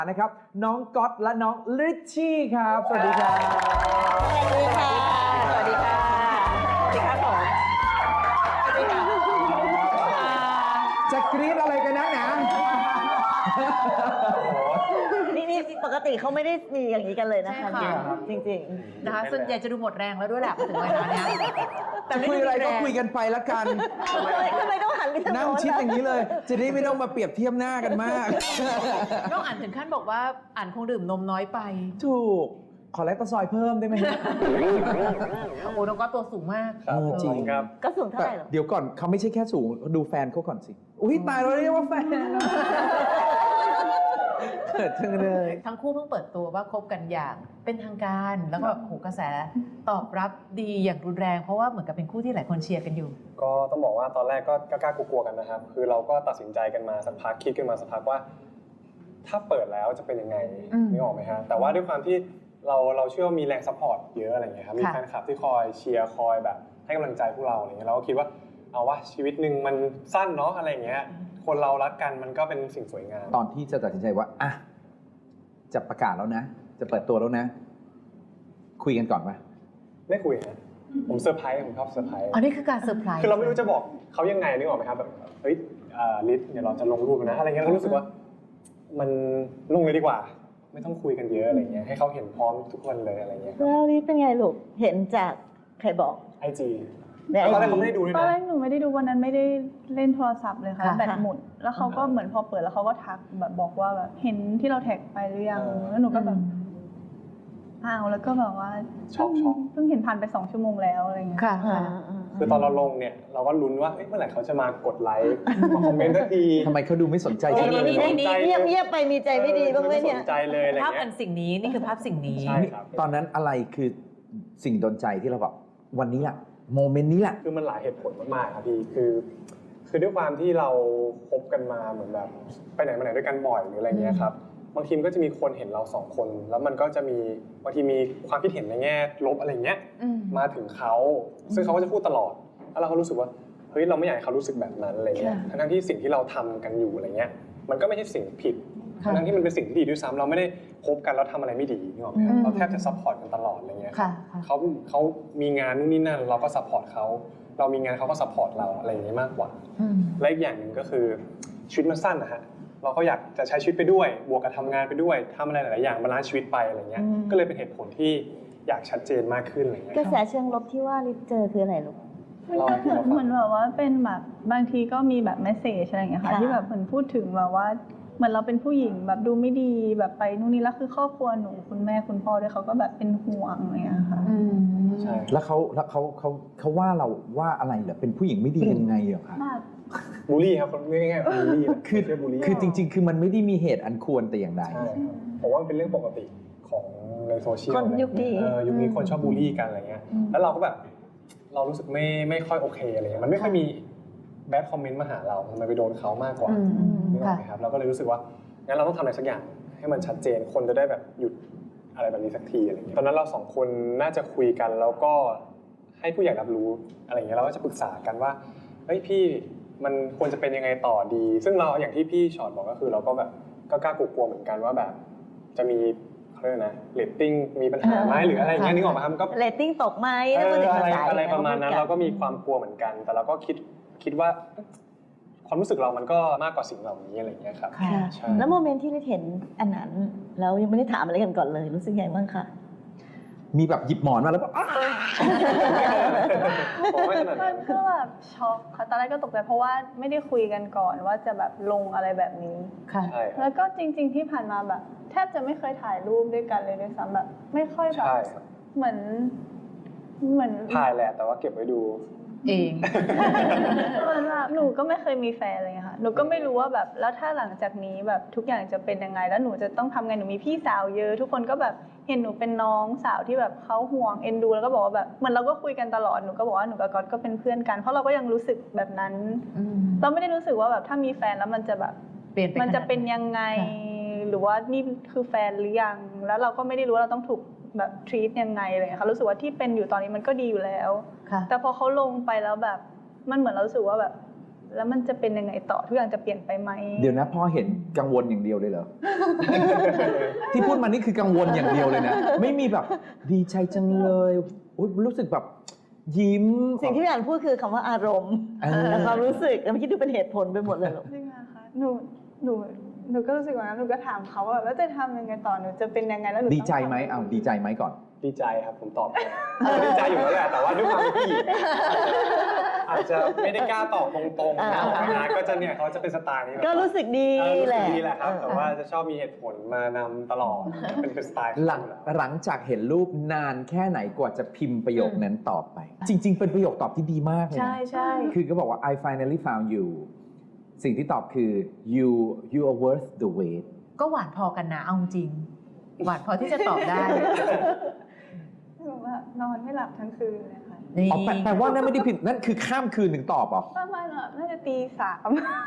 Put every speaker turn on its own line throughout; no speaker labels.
นะครับน้องก๊อตและน้องลิชชี่ครับสวัสดีครับ
สวัสดีค่ะ สวัสดีค่ะ สวัสดีครับผมสวัสดีค่ะ
จะกรี๊ดอะไรกันนะ
นี่ปกติเขาไม่ได้มีอย่างนี้กันเลยนะคะ
ใช่ค่ะ
จริง
นะคะส่วนใหญ่จะดูหมดแรงแล้วด้วยแหละมาถึงเวลาเนี้ย
จะคุยอะไรก็คุยกันไปละกัน
ๆทำไมต้องหันไปทาง
นั่ง
โน้น
ชิดอย่างนี้เลย จะได้ไม่ต้องมาเปรียบเทียบหน้ากันมาก
น้องอ่านถึงขั้นบอกว่าอ่านคงดื่มนมน้อยไป
ถูก ขอแลคโตซอยด์เพิ่มได้ไหมฮะ
โอ้โหน้องก็ตัวสูงมาก
จริง
ครับ
ก็สูงเท่า
แต่
ไหร่หรอ
เดี๋ยวก่อนเขาไม่ใช่แค่สูงดูแฟนเขาก่อนสิ อุ้ยตายเราเรียกว่าแฟนเกิดจังเลย
ทั้งคู่เพิ่งเปิดตัวว่าคบกันอย่างเป็นทางการแล้วก็โหกระแสตอบรับดีอย่างรุนแรงเพราะว่าเหมือนกับเป็นคู่ที่หลายคนเชียร์กันอยู่
ก็ต้องบอกว่าตอนแรกก็กล้าๆกลัวๆกันนะครับ คือเราก็ตัดสินใจกันมาสักพักคิดกันมาสักพักว่า ถ้าเปิดแล้วจะเป็นยังไง นึกออกไหมฮะแต่ว่าด้วยความที่เราเชื่อว่ามีแรงซัพพอร์ตเยอะอะไรอย่างเงี้ยครับมีแฟนคลับที่คอยเชียร์คอยแบบให้กำลังใจพวกเราอะไรเงี้ยเราก็คิดว่าเอาว่าชีวิตหนึ่งมันสั้นเนาะอะไรอย่างเงี้ยคนเรารักกันมันก็เป็นสิ่งสวยงาม
ตอนที่จะตัดสินใจว่าอ่ะจะประกาศแล้วนะ จะเปิดตัวแล้วนะ คุยกันก่อนปะ
ไม่คุยฮะผมเซอร์ไพรส์ผมชอบเซอร์ไพรส์
อันนี้คือการเซอร์ไพรส์
คือเราไม่รู้จะบอกเขายังไงนึกออกไหมครับแบบเฮ้ยลิศเดี๋ยวเราจะลงรูปนะอะไรเงี้ยเรารู้สึกว่ามันลงเลยดีกว่า ไม่ต้องคุยกันเยอะอะไรเงี้ยให้เขาเห็นพร้อมทุกคนเลยอะไรเงี้ย
แล้วนี่เป็นไงลูก เห็นจากใครบอก
IG
ใน
ตอนแรก
IG
เขาไม่ได้ดูด้วย
ตอน
นะ
แรกหนูไม่ได้ดูวันนั้นไม่ได้เล่นโทรศัพท์เลยค่ะ
ค่ะ
แบตหมดแล้วเขาก็เหมือนพอเปิดแล้วเขาก็ทักแบบบอกว่าแบบเห็นที่เราแท็กไปหรือยังแล้วหนูก็แบบอ้าวแล้วก็แบบว่า
ช็อก
เพิ่งเห็นผ่านไป2 ชั่วโมงแล้วอะไรเงี้ย
ค่ะ
อ่า
ค่ะ
คือตอนเราลงเนี่ยเราก็ลุ้นว่าเมื่อไหร่เขาจะมากดไลค์มาคอมเมนต์สักที
ทำไมเขาดูไม่สนใจ
เอ
ฉัน
อ
เลย
นี่เงียบไปมีใจไม่ดีบ้างไหมเนี่ย
ไม่สนใจเลยอะไร
ภาพ
เงี้
อั
ย
นสิ่งนี้นี่คือภาพสิ่งนี้
ใช่ครับ
ตอนนั้นอะไรคือสิ่งโดนใจที่เราแบบวันนี้แหละโมเมนต์นี้แหละ
คือมันหลายเหตุผลมากๆครับพี่คือด้วยความที่เราคบกันมาเหมือนแบบไปไหนมาไหนด้วยกันบ่อยหรืออะไรเงี้ยครับบางทีมันก็จะมีคนเห็นเรา2 คนแล้วมันก็จะมีบางทีมีความคิดเห็นในแง่ลบอะไรเงี้ยมาถึงเขาซึ่งเขาก็จะพูดตลอดแล้วเราก็รู้สึกว่าเฮ้ยเราไม่อยากให้เขารู้สึกแบบนั้นอะไรเงี้ยทั้งที่สิ่งที่เราทำกันอยู่อะไรเงี้ยมันก็ไม่ใช่สิ่งผิดทั้งที่มันเป็นสิ่งที่ดีด้วยซ้ำเราไม่ได้คบกันแล้วทำอะไรไม่ดีนึกออกไหมครับเราแทบจะซัพพอร์ตกันตลอดอะไรเงี้ย
ค่ะ
เขามีงานนู่นนี่นั่นเราก็ซัพพอร์ตเขาเรามีงานเขาก็ซัพพอร์ตเราอะไรอย่างนี้มากกว่าและอีกอย่างหนึ่งก็คือชีวิตมันสั้นนะฮะเราก็อยากจะใช้ชีวิตไปด้วยบวกกับทำงานไปด้วยทำอะไรหลายๆอย่างบาลานซ์ชีวิตไปอะไรเงี้ยก็เลยเป็นเหตุผลที่อยากชัดเจนมากขึ้นอะไรเงี้ย
กระแสเชิงลบที่ว่าลิศเจอคืออะไรลูก
มันก็เหมือนแบบว่าเป็นแบบบางทีก็มีแบบเมสเซจอะไรอย่างเงี้ยค่ะ
ค่ะ
ที่แบบเหมือนพูดถึงแบบว่าเหมือนเราเป็นผู้หญิงแบบดูไม่ดีแบบไปนู่นนี่แล้วคือครอบครัวหนูคุณแม่คุณพ่อด้วยเขาก็แบบเป็นห่วงอะไรอย่างเงี้ยค่ะ
ใช่
แล้วเขาว่าเราว่าอะไรเหรอเป็นผู้หญิงไม่ดียังไงเหรอคะ
แบบ
บูลลี่ครับคนง่ายๆบูลลี่
คือ
เรียกบูลลี่
คือจริง ๆ คือมันไม่ได้มีเหตุอันควรแต่อย่างใด
ใช่ครับผมว่ามันเป็นเรื่องปกติของในโซเชียล
คนยุคนี้
ยุคนี้คนชอบบูลลี่กันอะไรเงี้ยแล้วเราก็แบบเรารู้สึกไม่ค่อยโอเคอะไรเงี้ยมันไม่ค่อยมีแบดคอมเมนต์มาหาเรามันไปโดนเขามากกว่านึกออกไหมครับเราก็เลยรู้สึกว่างั้นเราต้องทำอะไรสักอย่างให้มันชัดเจนคนจะได้แบบหยุดอะไรแบบนี้สักทีอะไรเงี้ยตอนนั้นเรา2 คนน่าจะคุยกันแล้วก็ให้ผู้ใหญ่รับรู้อะไรเงี้ยเราก็จะปรึกษากันว่าเฮ้ยพี่มันควรจะเป็นยังไงต่อดี ซึ่งเราอย่างที่พี่ชอตบอกก็คือเราก็แบบก็กล้ากลัวๆเหมือนกันว่าแบบจะมีเขาเรียกนะเรตติ้งมีปัญหาไหมหรืออะไรอย่างเงี้ยนึกออกไหมครับก็
เรตติ้งตกไหม
อะไรประมาณนั้นเราก็มีความกลัวเหมือนกัน แต่เราก็คิดว่าความรู้สึกเรามันก็มากกว่าสิ่งเหล่านี้อะไรอย่างเงี้ยครับ
ค่ะ
ใช่
แล้วโมเมนต์ที่ลิศเห็นอันนั้นแล้วยังไม่ได้ถามอะไรกันก่อนเลยรู้สึกไงบ้างคะ
มีแบบหยิบหมอนมาแล้วก็อ้า
ผมไม่ขนาด
มั
นั้น
นก็แบบช็อกค่ะตอนแรกก็ตกใจเพราะว่าไม่ได้คุยกันก่อนว่าจะแบบลงอะไรแบบนี้
ค่ะ
ใช่ครับ
แล้วก็จริง ๆที่ผ่านมาแบบ แทบจะไม่เคยถ่ายรูปด้วยกันเลยด้วยซ้ำแบบไม่ค่อยแบบ
ใช่ครับ
เหมือน
ถ่ายแหละแต่ว่าเก็บไว้ดู
เอง
เหมือนแบบหนูก็ไม่เคยมีแฟนเลยค่ะหนูก็ไม่รู้ว่าแบบแล้วถ้าหลังจากนี้แบบทุกอย่างจะเป็นยังไงแล้วหนูจะต้องทำไงหนูมีพี่สาวเยอะทุกคนก็แบบเห็นหนูเป็นน้องสาวที่แบบเขาห่วงเอ็นดูแล้วก็บอกว่าแบบเหมือนเราก็คุยกันตลอดหนูก็บอกว่าหนูกับก๊อตก็เป็นเพื่อนกันเพราะเราก็ยังรู้สึกแบบนั้น เราไม่ได้รู้สึกว่าแบบถ้ามีแฟนแล้วมันจะแบบ
เปลี่ยนไป
มันจะเป็นยังไง
ค่ะ
หรือว่านี่คือแฟนหรือยังแล้วเราก็ไม่ได้รู้ว่าเราต้องถูกแบบ treat ยังไงเลยค่ะรู้สึกว่าที่เป็นอยู่ตอนนี้มันก็ดีอยู่แล้ว
ค่ะ
แต่พอเขาลงไปแล้วแบบมันเหมือนเรารู้สึกว่าแบบแล้วมันจะเป็นยังไงต่อทุกอย่างจะเปลี่ยนไปไหม
เดี๋ยวนะพ่อเห็นกังวลอย่างเดียวเลยเหรอ ที่พูดมานี่คือกังวลอย่างเดียวเลยนะ ไม่มีแบบดีใจจังเลยอุ๊ยรู้สึกแบบยิ้ม
สิ่งที่พี่อ่านพูดคือคำว่าอารมณ์และความรู้สึกแล้วไม่คิดดูเป็นเหตุผลไปหมดเลยหรอก
จริงอะคะหนูก็รู้สึกว่าหนูก็ถามเขาว่าแล้วจะทำยังไงต่อหนูจะเป็นยังไงแล้วหนู
ดีใจไหมเอาดีใจไหมก่อน
ดีใจครับผมตอบดีใจอยู่แล้วแหละแต่ว่าด้วยความเป็นผู้หญิงอาจจะไม่ได้กล้าตอบตรงๆนะก็จะเนี่ยเขาจะเป็นสไตล์นี้
ก็รู้สึกดีแหละ
ดีแหละครับแต่ว่าจะชอบมีเหตุผลมานำตลอดเป็นสไตล์
หลังจากเห็นรูปนานแค่ไหนกว่าจะพิมพ์ประโยคนั้นตอบไป จริง ๆ เป็นประโยคตอบที่ดีมากเลยนะ
ใช่
คือก็บอกว่า I finally found you สิ่งที่ตอบคือ you are worth the wait
ก็หวานพอกันนะเอาจริง หวานพอที่จะตอบได้
แบบว่านอนไม่หลับทั้งคืนเลยค่ะ
นี่
อ๋อแปลว่านั่นไม่ได้พิมพ์นั่นคือข้ามคืนถึงตอบเหรอ
ประมาณแบบน่าจะตี 3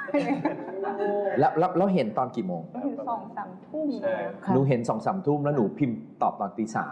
แล้วเห็นตอนกี่โมง
ถึง2-3 ทุ่มเลย
ค่ะ
หนูเห็น2-3 ทุ่มแล้วหนูพิมพ์ตอบตอนตี 3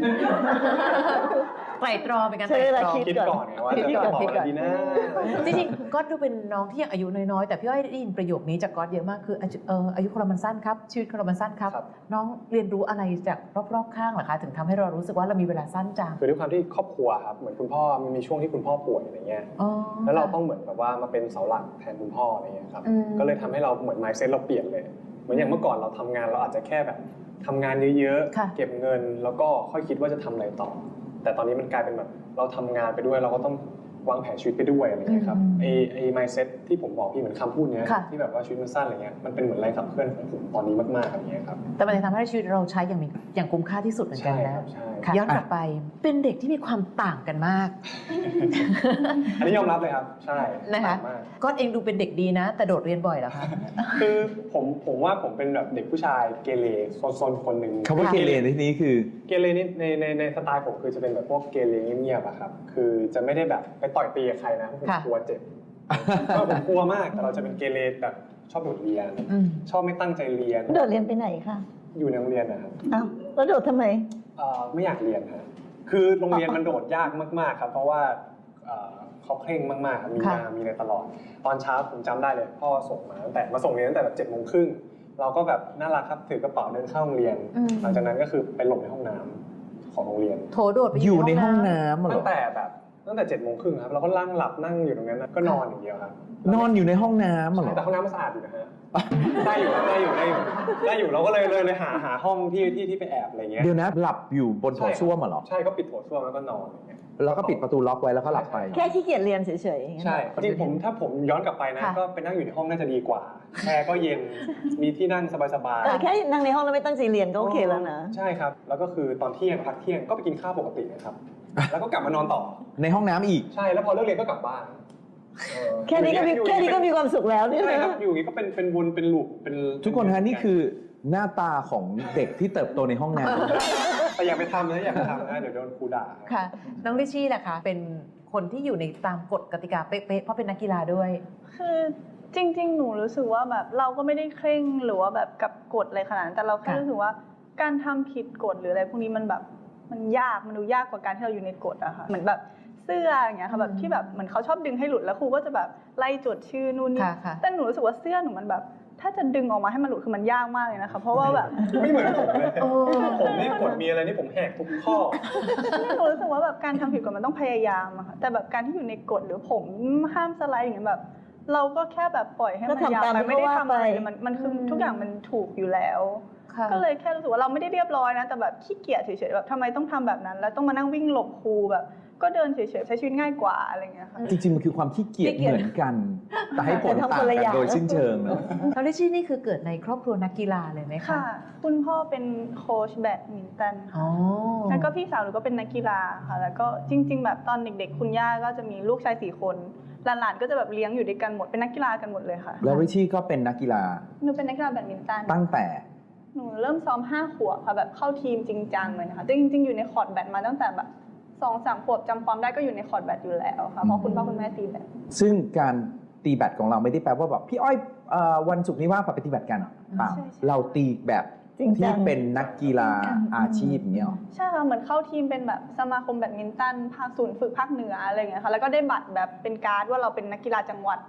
ไตร่ตรองเป็นการ
ใช้
ไตร่
เวลา
ตรอง
คิด
คิดก่อนไงว่าจะตอบอะไรดีนะ
จริงๆก็ดูเป็นน้องที่ยังอายุน้อยๆแต่พี่อ้อยได้ยินประโยคนี้จากก๊อตเยอะมากคืออายุคนเรามันสั้นครับชีวิตคนเรามันสั้นครับ
ครับ
น้องเรียนรู้อะไรจากรอบๆข้างเหรอคะถึงทำให้เรารู้สึกว่าเรามีเวลาสั้นจัง
คือด้วยความที่ครอบครัวครับเหมือนคุณพ่อมันมีช่วงที่คุณพ่อป่วยอะไรเงี้ย
อ๋อ
แล้วเราต้องเหมือนแบบว่ามาเป็นเสาหลักแทนคุณพ่ออะไรเงี้ยครับ
อืม
ก็เลยทำให้เราเหมือน mindset เราเปลี่ยนเลย เหมือนอย่างเมื่อก่อนเราทำงานเราอาจจะแค่แบบทำงานเยอะ
ค่ะ
ๆเก็บเงินแล้วก็ค่อยคิดว่าจะทำอะไรต่อ แต่ตอนนี้มันกลายเป็นแบบเราทำงานไปด้วยเราก็ต้องวางแผนชีวิตไปด้วยอะไรเงี้ยครับไอ้ mindset ที่ผมบอกพี่เหมือนคำพูดเนี้ย
ค่ะ
ที่แบบว่าชีวิตมันสั้นอะไรเงี้ยมันเป็นเหมือนแรงขับเคลื่อนของผมตอนนี้มากๆอะไรเงี้ยครับ
แต่มันจะทำให้ชีวิตเราใช้อย่างคุ้มค่าที่สุดเหมือนกัน
ใช่
นะครับ
ใช่
ค่ะย้อนกลับไปเป็นเด็กที่มีความต่างกันมาก
อันนี้ยอมรับเลยครับใช่
นะคะ
ต่างมาก
ก๊อตเองดูเป็นเด็กดีนะ แต่โดดเรียนบ่อยเหรอคะ
คือผมว่าผมเป็นแบบเด็กผู้ชายเกเรโซนๆคนหนึ่ง
คำว่าเกเรในที่นี้คือ
เกเรนี่ในสไตล์ผมคือจะเป็นแบบพวกเกเรเงียบๆอะครับคือจะไม่ได้แบบไปต่อยตีกับใครนะผม
ค่ะ
กลัวเจ็บผมกลัวมากแต่เราจะเป็นเกเรแบบชอบโดดเรียน
อืม
ชอบไม่ตั้งใจเรียน
โดดเรียนไปไหนคะ
อยู่ในโรงเรียนนะครับ
อ้าวแล้วโดดทำไม
ไม่อยากเรียนครับคือโรงเรียนมันโดดยากมากๆครับเพราะว่าเขาเคร่งมากๆครับมี
ค่ะ
งานมีอะไรตลอด ตอนเช้าผมจำได้เลยพ่อส่งมาตั้งแต่มาส่งเรียนตั้งแต่แบบ7:30เราก็แบบน่ารักครับถือกระเป๋าเดินเข้าโรงเรียน หลังจากนั้นก็คือไปหลบในห้องน้ำของโรงเรียน
โถโดดไป
อยู่ในห้องน้ำเหร
ตั้
อง
แต่7:30ครับเราก็นั่งหลับนั่งอยู่ตรงนั้นนะก็นอนอย่างเดียวครับ
นอนอยู่ในห้องน้ำเหรอ
แต่ห้องน้ำมันสะอาดอยู่นะฮะได้อยู่เราก็เลยหาห้องที่ไปแอบอะไรเงี้ย
เดี๋ยวนะหลับอยู่บนโถส้วมเหรอ
ใช่ก็ปิดโถส้วมแล้วก็นอนอย่างเงี้ย
แล้วก็ปิดประตูล็อกไว้แล้วก็หลับไป
แค่ขี้เกียจเรียนเฉยๆอย่างเงี้ย
ใช่จริงๆถ้าผมย้อนกลับไปนะก็ไปนั่งอยู่ในห้องน่าจะดีกว่าแอร์ก็เย็นมีที่นั่งสบายๆ
แค่นั่งในห้องแล้วไม่ตั้งใจเรียนก็โอเคแล้วนะ
ใช่ครับแล้วก็คือตอนเที่ยงพักเที่ยงก็ไปกินข้าวปกตินะครับแล้วก็กลับมานอนต่อ
ในห้องน้ำอีก
ใช่แล้วพอเลิกเรียนก็กลับบ้าน
แค่นี้ก็มีความสุขแล้วเนี่ย
ใช่ครับ
นะ
อยู่อย่างนี้ก็เป็นวนเป็นลูปเป็น
ทุกคนฮะนี่คือหน้าตาของเด็กที่เติบโตในห้องน้ำ
แต่อย่าไปทำนะเดี๋ยวโดนครูด่า
ค่ะ น้องลิชชี่ล่ะคะเป็นคนที่อยู่ในตามกฎกติกาเป๊ะๆเพราะเป็นนักกีฬาด้วย
คือจริงๆ หนูรู้สึกว่าแบบเราก็ไม่ได้เคร่งหรือว่าแบบกับกฎอะไรขนาดนั้นแต่เราแค่
ค่ะ
รู้สึกว่าการทำผิดกฎหรืออะไรพวกนี้มันแบบมันยากมันดูยากกว่าการที่เราอยู่ในกฎอะค่ะเหมือนแบบเสื้ออย่างเงี้ยค่ะแบบที่แบบเหมือนเขาชอบดึงให้หลุดแล้วครูก็จะแบบไล่จดชื่อนู่นนี่
ค่ะ
แต่หนูรู้สึกว่าเสื้อหนูมันแบบถ้าจะดึงออกมาให้มันหลุดคือมันยากมากเลยนะคะเพราะว่าแบบ
ไม่เหมือนผมเลยผมนี่กฎมีอะไรนี่ผมแหกทุกข้อ
หนูรู้สึกว่าแบบการทำผิดกฎมันต้องพยายามอะค่ะแต่แบบการที่อยู่ในกฎหรือผมห้ามสไลด์อย่างเงี้ยแบบ เราก็แค่แบบปล่อยให้มันยาวไปไม่ได้ทำอะไรมันคือทุกอย่างมันถูกอยู่แล้ว
ค่ะ
ก็เลยแค่รู้สึกว่าเราไม่ได้เรียบร้อยนะแต่แบบขี้เกียจเฉยๆแบบทำไมต้องทำแบบนั้น แล้วต้องมานั่งวิ่งหลบครูแบบก็เดินเฉยๆใช้ชีวิตง่ายกว่าอะไรเงี้ยค่ะ
จริงๆมันคือความขี้เกียจเหมือนกัน แต่ให้ผลต่างกันโดยสิ้นเชิงเนอะ
น้องลิชชี่นี่คือเกิดในครอบครัวนักกีฬาเลยไหมคะ
ค่ะ คุณพ่อเป็นโค้ชแบดมินตัน
อ๋อ
แล้วก็พี่สาวหนูก็เป็นนักกีฬาค่ะแล้วก็จริง ๆ แบบตอนเด็กๆคุณย่าก็จะมีลูกชาย4 คนหลานๆก็จะแบบเลี้ยงอยู่ด้วยกันหมดเป็นนักกีฬากันหมดเลยค่ะ
แล้วริชชี่ก็เป็นนักกีฬา
หนูเป็นนักกีฬาแบดมินตัน
ตั้งแต่
หนูเริ่มซ้อม5 ขวบค่ะแบบเข้าทีมจริงจังเลยนะคะจริงๆอยู่ในคอร์ตแบดมาตั้งแต่แบบ2-3 ขวบจำความได้ก็อยู่ในคอร์ตแบดอยู่แล้วค่ะเพราะคุณพ่อคุณแม่ตีแบด
ซึ่งการตีแบดของเราไม่ได้แปลว่าแบบพี่อ้อยวันศุกร์นี้ว่างไปตีแบดกันเปล่า
ใช่
เราตีแบบ
จริงจั
ที่
ง
เป็นนักกีฬาอาชีพอย่างเงี้ยหรอ
ใช่ค่ะเหมือนเข้าทีมเป็นแบบสมาคมแบดมินตันภาคศูนย์ฝึกภาคเหนืออะไรอย่างเงี้ยค่ะแล้วก็ได้บัตรแบบเป็นการ์ดว่าเราเป็นนักกีฬาจังหวัด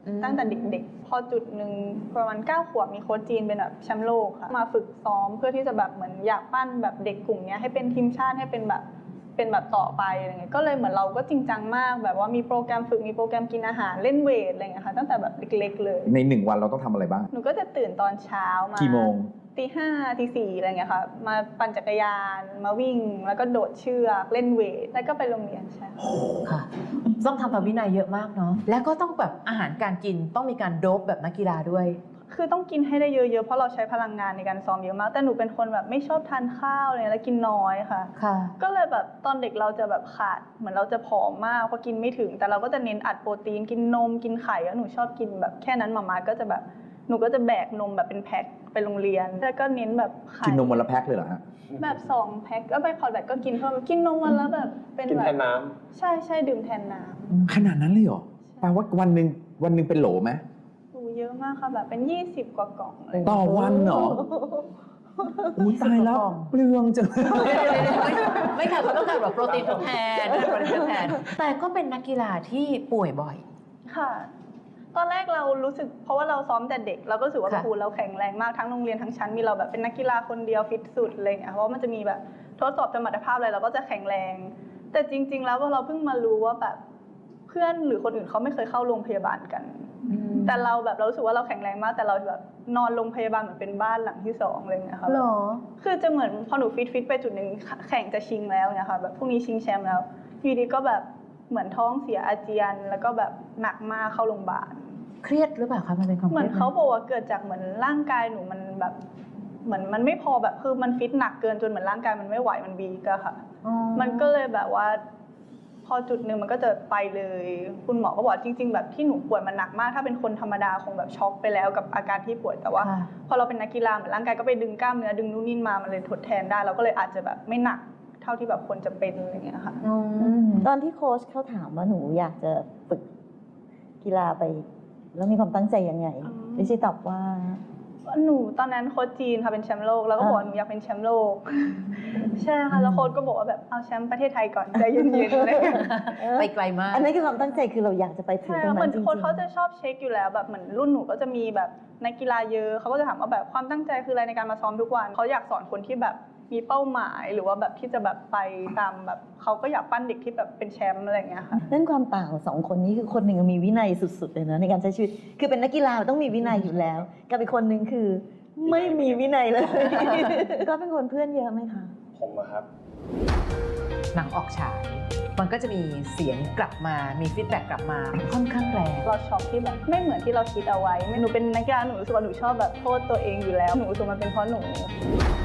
ตั้งแต่เด็กๆพอจุดหนึ่งประมาณ9 ขวบมีโค้ชจีนเป็นแบบแชมป์โลกค่ะมาฝึกซ้อมเพื่อที่จะแบบเหมือนอยากปั้นแบบเด็กกลุ่มนี้ให้เป็นทีมชาติให้เป็นแบบต่อไปอะไรเงี้ยก็เลยเหมือนเราก็จริงจังมากแบบว่ามีโปรแกรมฝึกมีโปรแกรมกินอาหารเล่นเวทอะไรเงี้ยค่ะตั้งแต่แบบเล็กๆเลย
ใน1 วันเราต้องทำอะไรบ้าง
หนูก็จะตื่นตอนเช้ามา
กี่โมง
ตี 5 ตี 4อะไรเงี้ยค่ะมาปั่นจักรยานมาวิ่งแล้วก็โดดเชือกเล่นเวทแล้วก็ไปโรงเรียนใช่
ค่ะต้องทำตามวินัยเยอะมากเนาะแล้วก็ต้องแบบอาหารการกินต้องมีการโดปแบบนักกีฬาด้วย
คือต้องกินให้ได้เยอะๆเพราะเราใช้พลังงานในการซ้อมเยอะมากแต่หนูเป็นคนแบบไม่ชอบทานข้าวเลยแล้วกินน้อยค่ะก็เลยแบบตอนเด็กเราจะแบบขาดเหมือนเราจะผอมมากเพราะกินไม่ถึงแต่เราก็จะเน้นอัดโปรตีนกินนมกินไข่แล้วหนูชอบกินแบบแค่นั้นมาก็จะแบบหนูก็จะแบกนมแบบเป็นแพ็คไปโรงเรียนแล้วก็เน้นแบบไข่
กินนมวันละแพ็คเลยเหรอฮะ
แบบ2 แพ็คก็ไปคอร์ดแบตก็กินเพิ่มกินนมวันละแบบเป็นแบบ
กินแทนน้
ำใช่ดื่มแทนน้
ำขนาดนั้นเลยเหรอแปลว่าวันหนึ่งเป็นโหลไหม
เยอะมากค่ะแบบเป็น20 กว่ากล่องเลย
ต่อวันเหรออุ้ยตายแล้วเปลืองจัง
ไม่ค่ะเขาต้องการแบบโปรตีนทดแทนแต่ก็เป็นนักกีฬาที่ป่วยบ่อย
ค่ะตอนแรกเรารู้สึกเพราะว่าเราซ้อมแต่เด็กเราก็รู้สึกว่าครูเราแข็งแรงมากทั้งโรงเรียนทั้งชั้นมีเราแบบเป็นนักกีฬาคนเดียวฟิตสุดอะไรอย่างเงี้ยเพราะมันจะมีแบบทดสอบสมรรถภาพอะไรเราก็จะแข็งแรงแต่จริงๆแล้วเราเพิ่งมารู้ว่าแบบเพื่อนหรือคนอื่นเขาไม่เคยเข้าโรงพยาบาลกันแต่เราแบบเรารู้สึกว่าเราแข็งแรงมากแต่เราแบบนอนโรงพยาบาลเหมือนเป็นบ้านหลังที่2อะไรอย่างเงี้ยค่ะ
หรอ
คือจะเหมือนพอหนูฟิตไปจุดนึงแข่งจะชิงแล้วเนี่ยค่ะแบบพรุ่งนี้ชิงแชมป์แล้วอยู่ดีก็แบบเหมือนท้องเสียอาเจียนแล้วก็แบบหนักมากเข้าโรงพยาบาล
เครียดหรือเปล่าคะมันเป็นความ
เหมือนเขาบอกว่าเกิดจากเหมือนร่างกายหนูมันแบบเหมือนมันไม่พอแบบคือมันฟิตหนักเกินจนเหมือนร่างกายมันไม่ไหวมันวีกอะค่ะมันก็เลยแบบว่าพอจุดหนึ่งมันก็จะไปเลยคุณหมอก็บอกจริงๆแบบที่หนูป่วยมันหนักมากถ้าเป็นคนธรรมดาคงแบบช็อกไปแล้วกับอาการที่ป่วยแต่ว่าพอเราเป็นนักกีฬาเหมือนร่างกายก็ไปดึงกล้ามเนื้อดึงนู่นนี่มามันเลยทดแทนได้เราก็เลยอาจจะแบบไม่หนักเท่าที่แบบควรจะเป็นอะไรอย่างเงี้ยค่ะ
ตอนที่โค้ชเขาถามว่าหนูอยากจะฝึกกีฬาไปแล้วมีความตั้งใจยังไงดิฉันตอบว่า
หนูตอนนั้นโค้ชจีนค่ะเป็นแชมป์โลกแล้วก็บอกหนูอยากเป็นแชมป์โลกใช่ค่ะแล้วโค้ชก็บอกว่าแบบเอาแชมป์ประเทศไทยก่อนใจเย็นๆเลย
ไปไกลมาก
อันนี้คือความตั้งใจคือเราอยากจะไปถึงตรงนั้นจริงๆ
เหมือนโค้ชเขาจะชอบเช็คอยู่แล้วแบบเหมือนรุ่นหนูก็จะมีแบบนักกีฬาเยอะเขาก็จะถามว่าแบบความตั้งใจคืออะไรในการมาซ้อมทุกวันเขาอยากสอนคนที่แบบมีเป้าหมายหรือว่าแบบที่จะแบบไปตามแบบเขาก็อยากปั้นเด็กที่แบบเป็นแชมป์อะไรอย่างเงี้ยค่ะ
นั่นความต่างของ2 คนนี้คือคนหนึ่งมีวินัยสุดๆเลยนะในการใช้ชีวิตคือเป็นนักกีฬาต้องมีวินัยอยู่แล้วกับอีกคนนึงคือไม่มีวินัยเลยก็เป็นคนเพื่อนเยอะไหมคะ
ผมอะครับ
หนังออกฉายมันก็จะมีเสียงกลับมามีฟีดแบ็กกลับมาค่อนข้างแรง
เราช็อกที่แบบไม่เหมือนที่เราคิดเอาไว้หนูเป็นนักกีฬาหนูรู้สึกว่าหนูชอบแบบโทษตัวเองอยู่แล้วหนูรู้สึกมันเป็นเพราะหนู